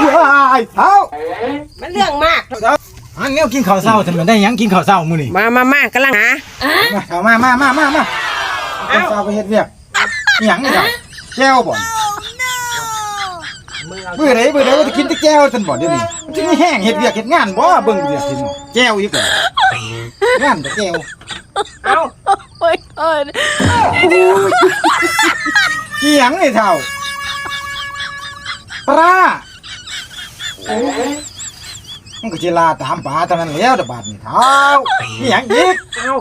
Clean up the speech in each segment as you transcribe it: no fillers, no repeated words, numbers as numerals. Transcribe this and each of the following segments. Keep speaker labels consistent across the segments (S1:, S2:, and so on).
S1: เท้า
S2: มันเรื่องมาก
S1: อันนี้กินข้าวเช้าทำไมได้ยังกินข้าวเช้ามื้อนี่
S2: มากำลังหา
S1: เอามาข้าวเช้าไปเฮ็ดเวียกหยังนี่ครับแก้วบ่เบื่อไหนว่าจะกินแต่แก้วซั่นบ่เดี๋ยวนี้มันสิมีแห้งเฮ็ดเวียกเฮ็ดงานบ่เบิ่งเวียกกินแก้วอีกบ่งานแต่แก้ว
S2: โอ้ย
S1: หยังนี่เฒ่าปลามันก็สิลาตามป่าเท่านั้นแล้วบาดนี้เฒ่าหยังอีก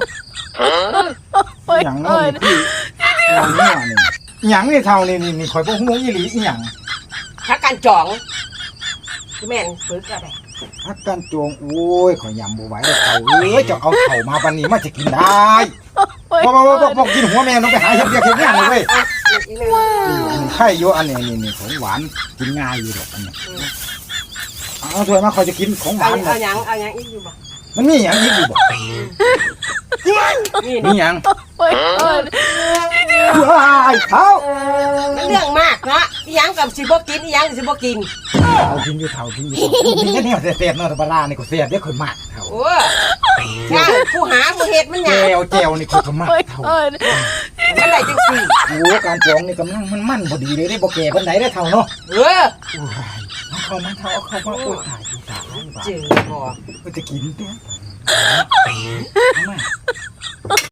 S1: หยังนี่พี่หยังนี่เฒ่านี่ข่อยบ่ฮู้อีหลีอีหยัง
S2: พักการจองแม่นฝึกอะไร
S1: พักการจองโอ้ยข่อยยำบ่ไหวแล้วเฒ่าเอ้ยจะเอาเฒ่ามาปานนี้มาจะกินได้บ่กินหัวแม่น้องไปหาเฮ็ดเวียกเฮ็ดงานเลยเว้ยไข่อยู่อันนี้ของหวานกินง่ายอยู่ดอกอันนี้เอาถ้วยมาข่อยจะกินของหวาน
S2: เอาหยังอีกอยู่บ่
S1: มันมีหยังอีกอยู่บ่มีหยังเฒ่า
S2: มันเรื่องมากเนาะอีหยังกับสิบ่กินอีหยังสิบ่กิน
S1: เอากินอยู่เฒ่ากินแค่นี้เสียดเนาะปลานี่ก็เสียดเด้ข่อยมากเฒ่า
S2: โอ้งานผู้หาผู้เฮ็ดมันหยัง
S1: แก้วนี่ข่อยก็มากเฒ่า
S2: มันได้จังซี่
S1: โอ้การจองนี่กำลังมันพอดีเลยได้บ่แก่ปานใดได้เฒ่าเนาะเอาเข้ามาโอ้ยตาย
S2: เจ๋งบ่
S1: มันจะกินเด้อ